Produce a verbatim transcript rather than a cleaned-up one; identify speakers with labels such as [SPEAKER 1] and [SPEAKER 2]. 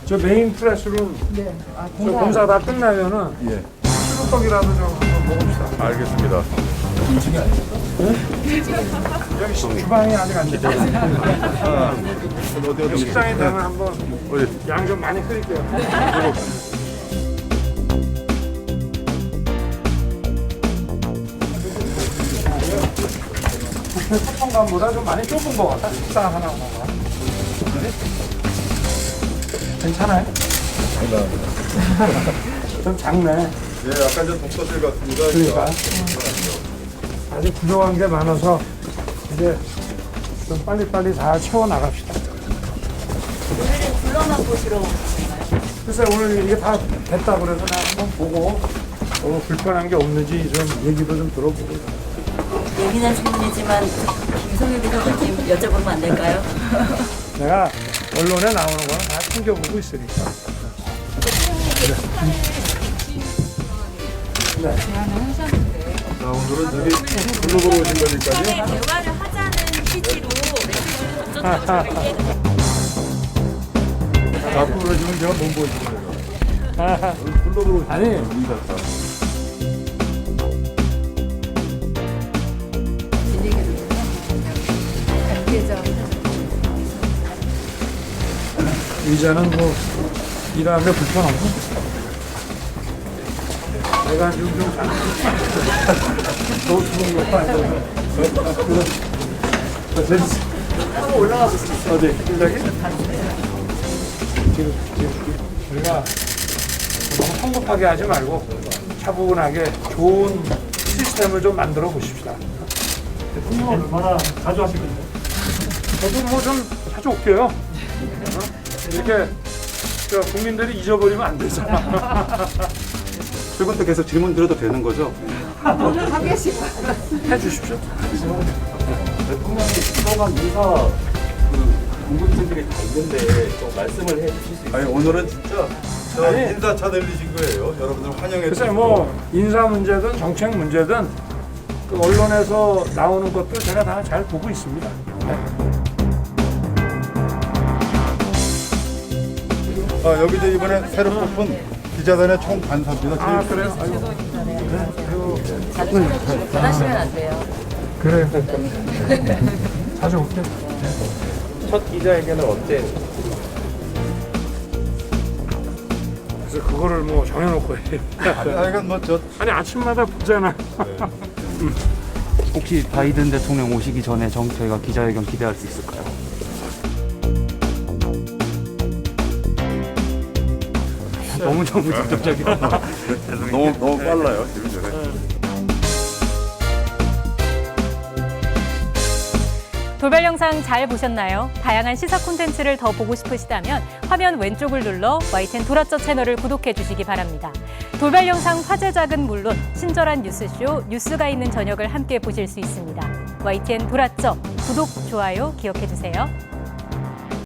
[SPEAKER 1] 저 메인 프레스룸
[SPEAKER 2] 네. 아,
[SPEAKER 1] 저 공사 다 끝나면은
[SPEAKER 3] 예.
[SPEAKER 1] 수육떡이라도 좀 한번 먹읍시다.
[SPEAKER 3] 알겠습니다.
[SPEAKER 1] 여기 시- 주방이 아직 안 됐어요.
[SPEAKER 3] 아, 어디 어디
[SPEAKER 1] 식당에 되면 한번
[SPEAKER 3] 어디?
[SPEAKER 1] 양 좀 많이 끓일게요. 뷔페 소통관보다 좀 많이 좁은 것 같다. 식당 하나 하나가. 괜찮아요? 좀 작네.
[SPEAKER 3] 예, 약간 좀 독서실 같습니다.
[SPEAKER 1] 그러니까 아직 부족한 게 많아서 이제 좀 빨리빨리 다 채워 나갑시다.
[SPEAKER 2] 오늘은 불러만 보시러 오셨나요?
[SPEAKER 1] 글쎄 오늘 이게 다 됐다 그래서 나 한번 보고 어, 불편한 게 없는지 좀 얘기도 좀 들어보고.
[SPEAKER 2] 예민한 질문이지만 김성일 비서관님 여쭤보면 안 될까요?
[SPEAKER 1] 내가 언론에 나오는 거는 다 챙겨보고 있으니까.
[SPEAKER 3] 자, 오늘은 저기 블로그로 오신 거니까요.
[SPEAKER 2] 대화를 하자는 취지로 메시지를 던져드렸어요.
[SPEAKER 3] 자꾸 그러시면 제가 못 보여드려요. 블로그로 오신
[SPEAKER 1] 아니.
[SPEAKER 3] 인사다.
[SPEAKER 1] 의자는 뭐 일하는데 불편 없고. 내가 지금 좀 잘. 너무 좋은 거 아니야?
[SPEAKER 2] 한번 올라가 보시죠.
[SPEAKER 1] 어디? 여기? 지금, 지금 우리가 너무 성급하게 하지 말고 차분하게 좋은 시스템을 좀 만들어 보십시다.
[SPEAKER 4] 대통령은 얼마나 자주 하시거든요.
[SPEAKER 1] 저도 뭐 좀 자주 올게요. 어? 이렇게 저 국민들이 잊어버리면 안 되잖아.
[SPEAKER 3] 그것도 계속 질문 드려도 되는 거죠?
[SPEAKER 1] 해 주십시오.
[SPEAKER 5] 대통령이 그동안 인사 그 궁금증들이 다 있는데 좀 말씀을 해 주실 수 있어요?
[SPEAKER 3] 아니, 오늘은 진짜 저
[SPEAKER 1] 아니.
[SPEAKER 3] 인사차 들리신 거예요. 여러분들 환영해
[SPEAKER 1] 글쎄
[SPEAKER 3] 주시고.
[SPEAKER 1] 뭐 인사 문제든 정책 문제든 그 언론에서 나오는 것도 제가 다 잘 보고 있습니다. 네.
[SPEAKER 3] 아, 여기 이제 이번에 새로 뽑은 기자단의 총 간사입니다.
[SPEAKER 1] 아 그래요? 아이고.
[SPEAKER 2] 자주 찾아주시고 변하시면 안 돼요.
[SPEAKER 1] 그래요. 자주 올게요.
[SPEAKER 5] 첫 기자회견은 언제?
[SPEAKER 1] 그래서 그거를 뭐 정해놓고 해.
[SPEAKER 3] 아니, 하여간 뭐저
[SPEAKER 1] 아니 아침마다 보잖아.
[SPEAKER 6] 혹시 바이든 대통령 오시기 전에 정, 저희가 기자회견 기대할 수 있을까요? 너무 너무 직접적이야.
[SPEAKER 3] 너무 너무 빨라요 지금 전에.
[SPEAKER 7] 돌발 영상 잘 보셨나요? 다양한 시사 콘텐츠를 더 보고 싶으시다면 화면 왼쪽을 눌러 와이티엔 돌아쩌 채널을 구독해 주시기 바랍니다. 돌발 영상 화제작은 물론 친절한 뉴스쇼 뉴스가 있는 저녁을 함께 보실 수 있습니다. 와이티엔 돌아쩌 구독, 좋아요 기억해 주세요.